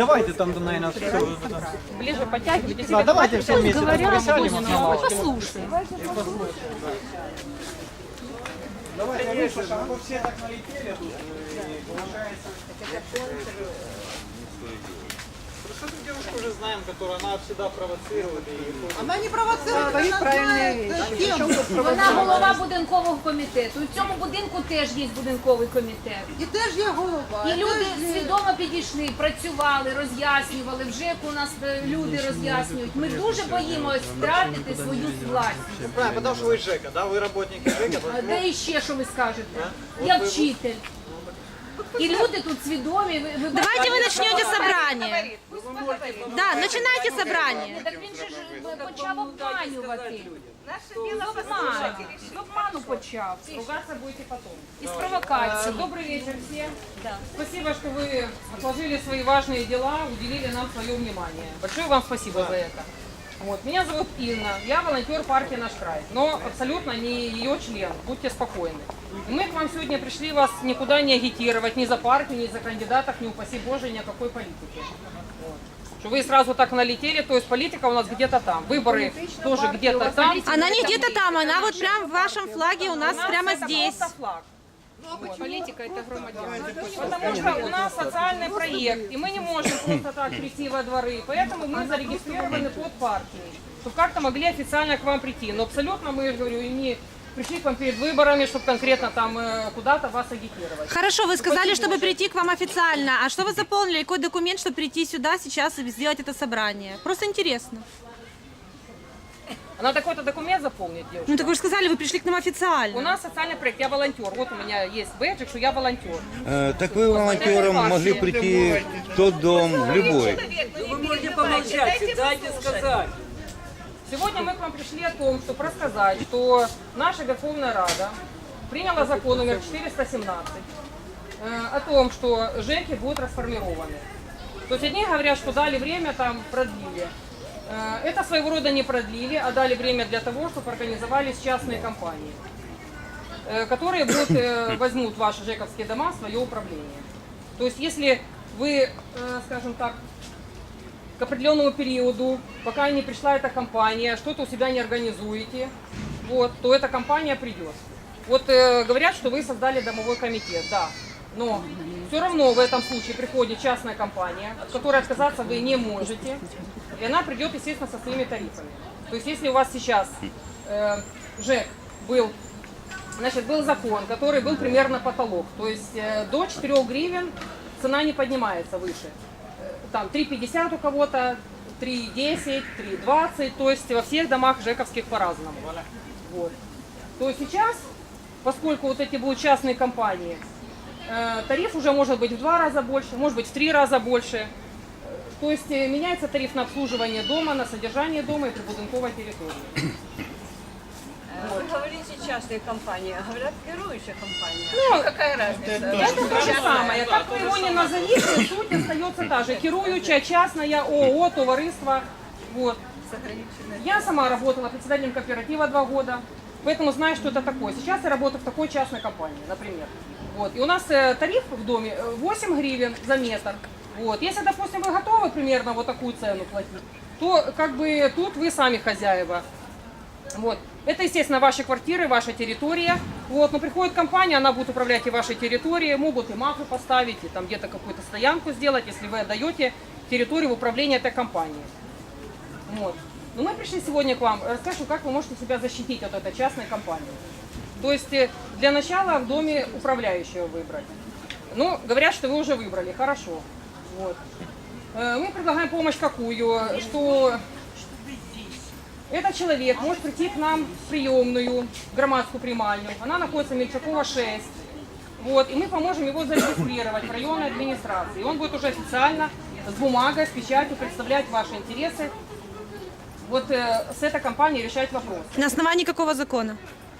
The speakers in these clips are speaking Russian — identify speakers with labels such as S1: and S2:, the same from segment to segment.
S1: Давайте там, наверное, все.
S2: Ближе подтягивайтесь.
S1: Да, давайте все вместе там присядем.
S2: Послушай.
S1: Давайте, вы все так налетели тут, и получается... Просто эту девушку уже знаем, которую она всегда провоцирует.
S3: Она не провоцирует, она знает тему.
S4: Вона голова будинкового комітету. У цьому будинку теж є будинковий комітет.
S3: І теж є голова.
S4: І люди свідомо підійшли, працювали, роз'яснювали. Вже у нас люди роз'яснюють. Ми дуже боїмось втратити свою власність.
S1: Правильно, потому что вы ЖЭКа, да? Вы работники ЖЭКа.
S4: Де іще, що ви скажете? Я вчитель. І люди тут свідомі.
S5: Давайте вы начнете собрание. Да, начинайте собрание.
S4: Так він же ж почав обманювати. З обману почав.
S2: Ругаться будете потом.
S4: Із провокації.
S2: Добрый вечер всем. Спасибо, что вы отложили свои важные дела, уделили нам свое внимание. Большое вам спасибо за это. Вот. Меня зовут Инна, я волонтер партии «Наш край», но абсолютно не ее член, будьте спокойны. И мы к вам сегодня пришли вас никуда не агитировать, ни за партию, ни за кандидатов, ни упаси Боже, ни о какой политике. Вот. Что вы сразу так налетели, то есть политика у нас где-то там, выборы тоже где-то там.
S5: Она не где-то там, она вот прям в вашем флаге у нас прямо
S2: это
S5: здесь.
S2: просто флаг.
S4: Политика – это громадян.
S2: Потому что у нас социальный проект, и мы не можем просто так прийти во дворы, поэтому мы зарегистрированы под партией, чтобы как-то могли официально к вам прийти. Но абсолютно, мы, говорю, и не пришли к вам перед выборами, чтобы конкретно там куда-то вас агитировать.
S5: Хорошо, вы сказали, чтобы прийти к вам официально. А что вы заполнили? Какой документ, чтобы прийти сюда сейчас и сделать это собрание? Просто интересно.
S2: Надо какой-то документ заполнить, девушка.
S5: Ну так вы же сказали, вы пришли к нам
S2: У
S5: официально.
S2: нас социальный проект, я волонтер. Вот у меня есть бэджик, что я волонтер.
S6: Так вы волонтером могли прийти в тот дом, в любой.
S7: Вы можете помолчать, дайте сказать.
S2: Сегодня мы к вам пришли о том, чтобы рассказать, что наша Верховная Рада приняла закон номер 417 о том, что ЖЭКи будут расформированы. То есть одни говорят, что дали время, там продлили. Это своего рода не продлили, а дали время для того, чтобы организовались частные компании, которые возьмут ваши ЖЭКовские дома в свое управление. То есть если вы, скажем так, к определенному периоду, пока не пришла эта компания, что-то у себя не организуете, вот, то эта компания придет. Вот говорят, что вы создали домовой комитет, да, но все равно в этом случае приходит частная компания, от которой отказаться вы не можете, и она придет, естественно, со своими тарифами. То есть если у вас сейчас ЖЭК был закон, который был примерно потолок, то есть до 4 гривен цена не поднимается выше. Там 3,50 у кого-то, 3,10, 3,20, то есть во всех домах ЖЭКовских по-разному. Вот. То сейчас, поскольку вот эти будут частные компании, тариф уже может быть в 2 раза больше, может быть в 3 раза больше. То есть меняется тариф на обслуживание дома, на содержание дома и прибудинковой территории.
S8: Вы говорите частные компании, а говорят керующая компания.
S2: Ну,
S8: какая разница?
S2: это то же самое. Как вы его не назовите, суть остается та же. Керующая, частная, ООО, товариство. Вот. Я сама работала председателем кооператива 2 года, поэтому знаю, что это такое. Сейчас я работаю в такой частной компании, например. Вот. И у нас тариф в доме 8 гривен за метр. Вот. Если, допустим, вы готовы примерно вот такую цену платить, то как бы тут вы сами хозяева. Вот. Это, естественно, ваши квартиры, ваша территория. Вот. Но приходит компания, она будет управлять и вашей территорией, могут и мафы поставить, и там где-то какую-то стоянку сделать, если вы отдаете территорию в управление этой компанией. Вот. Но мы пришли сегодня к вам, расскажу, как вы можете себя защитить от этой частной компании. То есть для начала в доме управляющего выбрать. Ну, говорят, что вы уже выбрали, хорошо. Вот. Мы предлагаем помощь какую, что этот человек может прийти к нам в приемную, в громадскую примальню. Она находится Мельчакова 6. Вот, и мы поможем его зарегистрировать в районной администрации. И он будет уже официально с бумагой, с печатью представлять ваши интересы. Вот с этой компанией решать вопрос.
S5: На основании какого закона?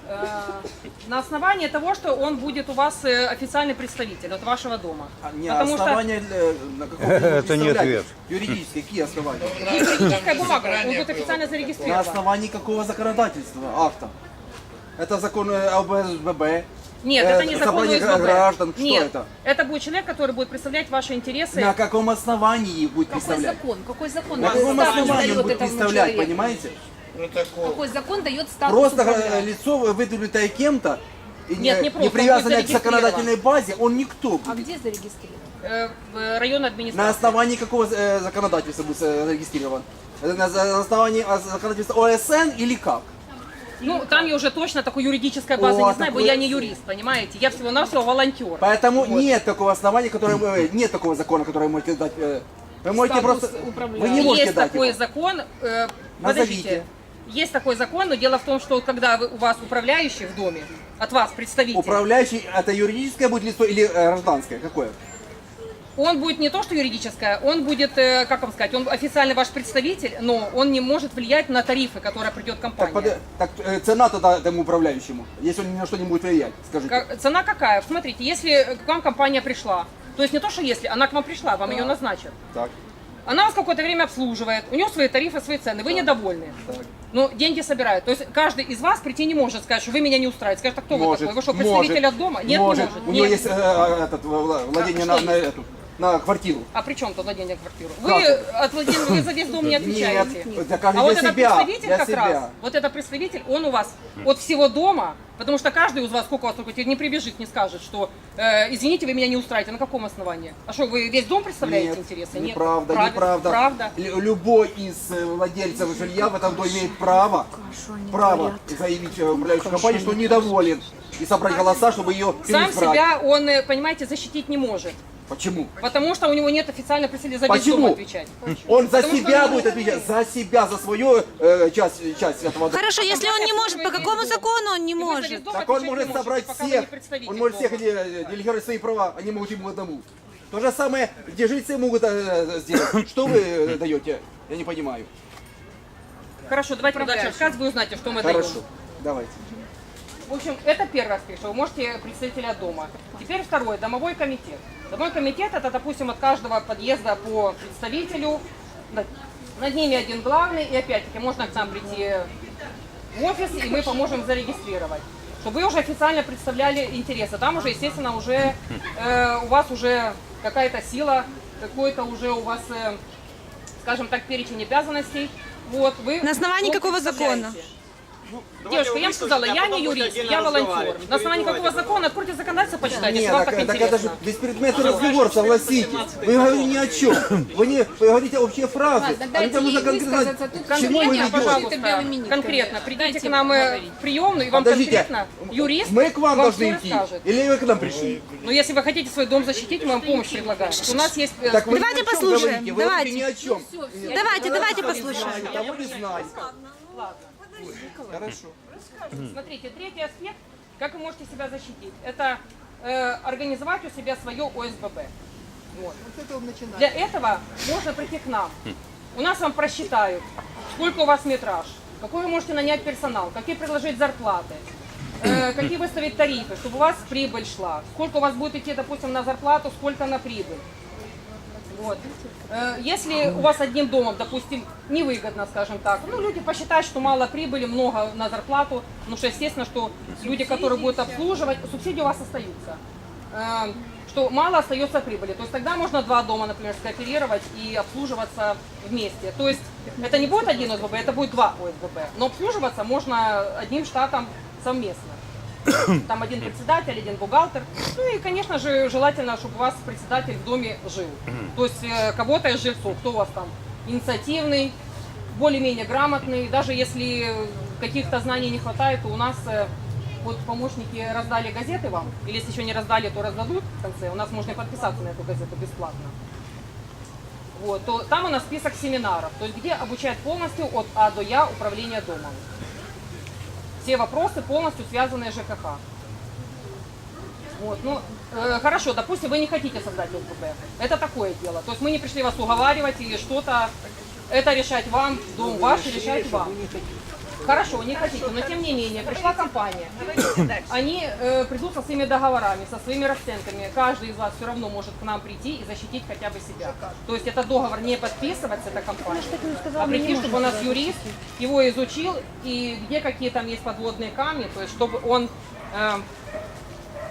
S2: На основании того, что он будет у вас официальный представитель от вашего дома.
S1: Не,
S2: Потому
S1: основания на каком вы
S6: Это не ответ.
S1: Юридические, какие основания?
S2: что юридическая бумага, он будет официально
S1: На
S2: зарегистрирован.
S1: основании какого законодательства, акта? Это закон ОБСББ,
S2: Нет, это не закон
S1: собрание
S2: ОСББ.
S1: граждан? Что
S2: Нет,
S1: это?
S2: это будет человек, который будет представлять ваши интересы.
S1: На каком основании будет
S4: Какой
S1: представлять?
S4: закон? Какой закон
S1: На каком
S4: статус
S1: основании он
S4: дает
S1: будет
S4: этому
S1: представлять,
S4: человеку?
S1: понимаете?
S4: Какой закон дает статус
S1: Просто
S4: управляющего?
S1: лицо, выдвинутое кем-то, и
S2: Нет, не просто, он
S1: привязанное
S2: будет
S1: к законодательной базе, он никто.
S4: А где зарегистрирован?
S2: В районной
S1: На
S2: администрации.
S1: основании какого законодательства будет зарегистрирован? На основании законодательства ОСН или как?
S2: Ну, там я уже точно такой юридической базы
S1: О,
S2: не знаю, бо
S1: такой-
S2: я не юрист, понимаете? Я всего-навсего волонтер.
S1: Поэтому нет такого основания, которое нет такого закона, который вы можете дать. Вы можете
S4: Статус
S1: просто. Вы
S4: управляющего.
S1: не можете
S2: Есть
S1: дать
S2: такой
S1: его.
S2: закон,
S1: Назовите.
S2: подождите, есть такой закон, но дело в том, что когда у вас управляющий в доме, от вас представитель,
S1: Управляющий это юридическое будет лицо или гражданское? Какое?
S2: он будет не то что юридическое, он будет, как вам сказать, он официально ваш представитель, но он не может влиять на тарифы, которые придет компания.
S1: Цена тогда этому управляющему, если он ни на что не будет влиять, скажите.
S2: Цена какая? Смотрите, если к вам компания пришла, то есть не то, что если, она к вам пришла, вам ее назначат.
S1: Так,
S2: Она вас какое-то время обслуживает, у нее свои тарифы, свои цены, вы недовольны.
S1: так.
S2: Но деньги собирают. То есть каждый из вас прийти не может сказать, что вы меня не устраиваете. Скажет, а кто вы
S1: Может,
S2: такой? Вы что,
S1: может,
S2: представитель от дома? Нет,
S1: может.
S2: не может.
S1: У него
S2: Нет.
S1: есть владение
S2: Что
S1: на эту, на квартиру.
S2: А при чем тут владение квартиры?
S1: Как
S2: Вы
S1: это?
S2: от владения, вы за весь дом не отвечаете.
S1: Нет, это каждый
S2: А вот
S1: для
S2: этот
S1: себя,
S2: представитель
S1: для
S2: как
S1: себя.
S2: раз, вот этот представитель, он у вас от всего дома, потому что каждый из вас, сколько у вас только не прибежит, не скажет, что извините, вы меня не устраиваете. На каком основании? А что, вы весь дом представляете
S1: Нет,
S2: интересы?
S1: неправда,
S2: Правильно,
S1: неправда.
S2: Правда.
S1: Любой из владельцев жилья в этом доме имеет право заявить в управляющую компанию, что он недоволен, и собрать голоса, чтобы ее
S2: Сам
S1: переизбрать.
S2: себя он, понимаете, защитить не может.
S1: Почему?
S2: Потому что у него нет официально представителя за весь дом
S1: Почему?
S2: отвечать.
S1: Он за
S2: Потому что
S1: себя
S2: он-
S1: будет отвечать, за себя, за свою часть этого дома.
S5: Хорошо, если он не может, по какому закону он не
S2: И вы за весь
S5: может?
S2: дом
S1: Так он
S2: отвечать
S1: может
S2: не
S1: собрать
S2: пока вы не
S1: всех,
S2: представитель
S1: он может
S2: дома.
S1: всех делегировать свои права, они могут ему одному. То же самое, где жильцы могут сделать. Что вы даете? Я не понимаю.
S2: Хорошо, давайте дальше рассказ, вы узнаете, что мы даем.
S1: Хорошо, давайте.
S2: В общем, это первый аспект, что вы можете представителя от дома. Теперь второй, домовой комитет. Домовой комитет это, допустим, от каждого подъезда по представителю. Над ними один главный, и опять-таки можно к нам прийти в офис, и мы поможем зарегистрировать. Чтобы вы уже официально представляли интересы. Там уже, естественно, уже у вас уже какая-то сила, какой-то уже у вас, скажем так, перечень обязанностей. Вот, вы
S5: На основании
S2: вот
S5: какого
S2: представляете.
S5: закона?
S2: Девушка, я вам сказала, я не юрист, я волонтер. На основании какого закона? Откройте законодательство, почитайте, если
S1: Нет,
S2: вам
S1: так,
S2: так
S1: так это же
S2: интересно.
S1: беспредметный разговор, согласитесь. Вы говорите ни о чем. Вы говорите общие фразы.
S4: Ладно,
S1: А
S4: дайте
S1: людям нужно
S4: ей
S1: конкретно
S4: высказаться. Тут
S1: к чему вы
S2: Конкретно,
S1: ведете.
S2: пожалуйста,
S4: белыми нитками.
S2: конкретно. Придите
S4: Дайте
S2: к нам
S4: поговорить.
S2: в приемную, и вам
S1: Подождите,
S2: конкретно юрист
S1: мы к вам должны
S2: всё
S1: идти?
S2: расскажет.
S1: Или вы к нам пришли?
S2: Но если вы хотите свой дом защитить, мы вам помощь предлагаем. У нас есть...
S1: Так вы
S5: Давайте
S1: ни о чем
S5: послушаем,
S1: говорите, вы
S5: давайте.
S1: говорите ни о чем.
S5: Давайте послушаем.
S1: Того не знаю. Хорошо.
S2: Смотрите, третий аспект, как вы можете себя защитить, это организовать у себя свое ОСББ. Вот. Для этого можно прийти к нам. У нас вам просчитают, сколько у вас метраж, какой вы можете нанять персонал, какие предложить зарплаты, какие выставить тарифы, чтобы у вас прибыль шла, сколько у вас будет идти, допустим, на зарплату, сколько на прибыль. Вот. Если у вас одним домом, допустим, невыгодно, скажем так, ну, люди посчитают, что мало прибыли, много на зарплату, потому что, естественно, что люди, которые будут обслуживать, субсидии у вас остаются, что мало остается прибыли. То есть тогда можно два дома, например, скооперировать и обслуживаться вместе. То есть это не будет один ОСББ, это будет два ОСББ, но обслуживаться можно одним штатом совместно. Там один председатель, один бухгалтер. Ну и, конечно же, желательно, чтобы у вас председатель в доме жил. То есть кого-то из жильцов, кто у вас там инициативный, более-менее грамотный. Даже если каких-то знаний не хватает, то у нас вот помощники раздали газеты вам. Или если еще не раздали, то раздадут в конце. У нас можно и подписаться на эту газету бесплатно. Вот, то там у нас список семинаров, то есть где обучают полностью от А до Я управление домом. Все вопросы полностью связанные с ЖКХ. Вот, ну, хорошо, допустим, вы не хотите создать ОСББ. Это такое дело. То есть мы не пришли вас уговаривать или что-то. Это решать вам, дом ваш, решать вам. Хорошо, не хотите, но тем не менее, пришла компания. Они придут со своими договорами, со своими расценками. Каждый из вас все равно может к нам прийти и защитить хотя бы себя. То есть этот договор не подписывать с этой компанией, а прийти, чтобы у нас юрист его изучил, и где какие там есть подводные камни, то есть чтобы он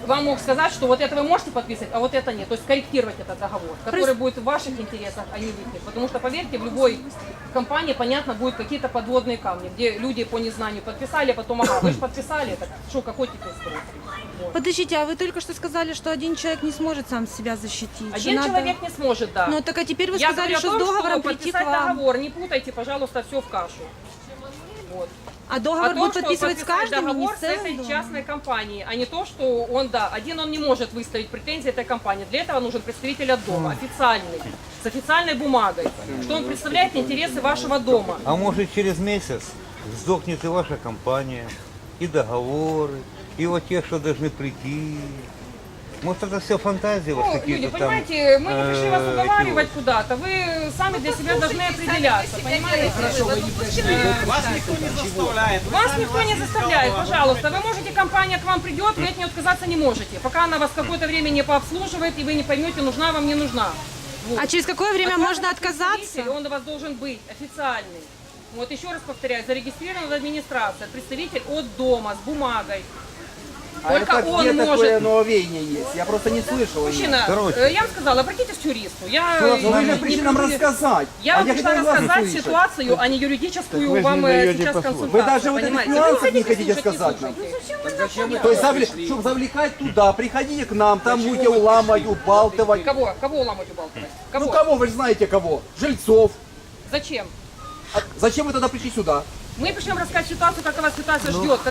S2: вам мог сказать, что вот это вы можете подписывать, а вот это нет. То есть корректировать этот договор, который будет в ваших интересах, а не в их. Потому что, поверьте, в любой компании, понятно, будут какие-то подводные камни, где люди по незнанию подписали, а потом, ага, вы же подписали, так что, какой теперь срок? Вот.
S5: Подождите, а вы только что сказали, что один человек не сможет сам себя защитить. что
S2: Один
S5: надо-
S2: человек не сможет, да.
S5: Ну так а теперь вы
S2: Я
S5: сказали,
S2: говорю о
S5: что
S2: том,
S5: с договором
S2: что
S5: прийти к
S2: подписать
S5: вам.
S2: договор, не путайте, пожалуйста, все в кашу. Вот.
S5: А договор
S2: О том,
S5: будет
S2: что
S5: подписывать с
S2: подписать
S5: каждым, и не
S2: договор
S5: с
S2: с этой
S5: целым домом?
S2: частной компанией, а не то, что он, да, один он не может выставить претензии этой компании. Для этого нужен представитель от дома, официальный, с официальной бумагой, что он представляет интересы вашего дома.
S6: А может через месяц сдохнет и ваша компания, и договоры, и вот те, что должны прийти. Может, это все фантазии вот
S2: Ну, люди,
S6: какие-то там.
S2: понимаете, мы не пришли вас
S6: эти
S2: уговаривать куда-то, вы сами для себя должны определяться, понимаете?
S9: Вас никто не заставляет.
S2: Вас никто не заставляет, пожалуйста. Вы можете, компания к вам придет, вы от нее отказаться не можете, пока она вас какое-то время не пообслуживает, и вы не поймете, нужна вам, не нужна. Вот.
S5: А через какое время можно отказаться?
S2: Представитель, он у вас должен быть официальный. Вот еще раз повторяю, зарегистрирован в администрации, представитель от дома с бумагой.
S1: А
S2: Только
S1: это
S2: он
S1: где
S2: может.
S1: такое нововвение есть? Я просто не слышал. о нем.
S2: Мужчина,
S6: Короче.
S2: я вам сказала, обратитесь к юристу. Я
S1: Ну вы же
S2: не
S1: пришли нам
S2: буду-
S1: рассказать.
S2: Я
S1: а
S2: вам
S1: я
S2: пришла
S1: хотел вас
S2: рассказать
S1: услышать.
S2: ситуацию, а не юридическую
S9: вы же
S2: вам
S9: не даете
S2: сейчас
S9: послушать.
S2: консультацию.
S1: Вы даже вот этих
S2: понимаете?
S1: нюансов
S2: Вы
S1: не хотите
S2: слушать,
S1: сказать нам.
S2: слушайте.
S1: То есть, чтобы завлекать туда, приходите к нам, там будете уламывать, убалтывать.
S2: Кого ломать убалтывать? Кого?
S1: Ну кого, вы же знаете кого? Жильцов.
S2: Зачем?
S1: А зачем вы тогда пришли сюда?
S2: Мы пришли вам рассказать ситуацию, как вас ситуация ждет.